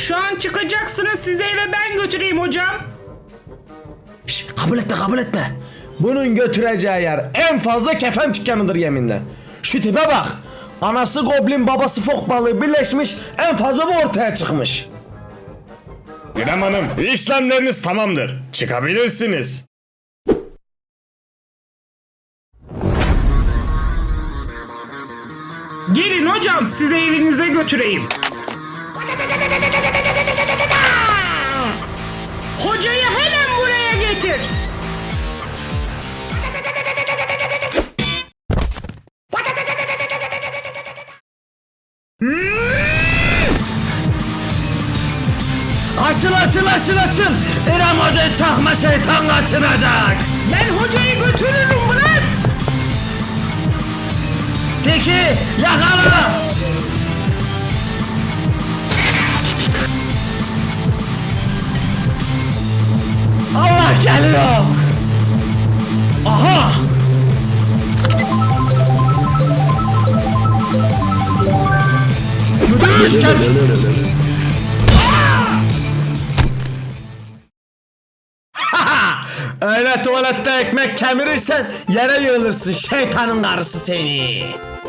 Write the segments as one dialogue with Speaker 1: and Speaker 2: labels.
Speaker 1: Şu an çıkacaksınız, sizi eve ben götüreyim hocam.
Speaker 2: Şş, kabul etme. Bunun götüreceği yer en fazla kefen dükkanıdır yeminle. Şu tipe bak. Anası goblin, babası fok balığı birleşmiş, en fazla bu ortaya çıkmış.
Speaker 3: İrem Hanım, işlemleriniz tamamdır. Çıkabilirsiniz.
Speaker 1: Gelin hocam, sizi evinize götüreyim. Hocayı hemen buraya getir.
Speaker 2: Açıl. İrem Hoca çakma şeytan kaçıracak.
Speaker 1: Ben hocayı götürürüm bırak.
Speaker 2: Teki yakala. Allah geliyor. Aha. Müthiş Öyle tuvalette ekmek kemirirsen yere yığılırsın, şeytanın karısı seni.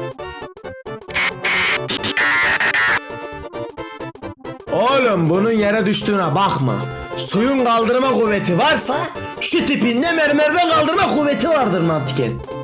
Speaker 2: Oğlum bunun yere düştüğüne bakma. Suyun kaldırma kuvveti varsa şu tipinde mermerden kaldırma kuvveti vardır mantıken.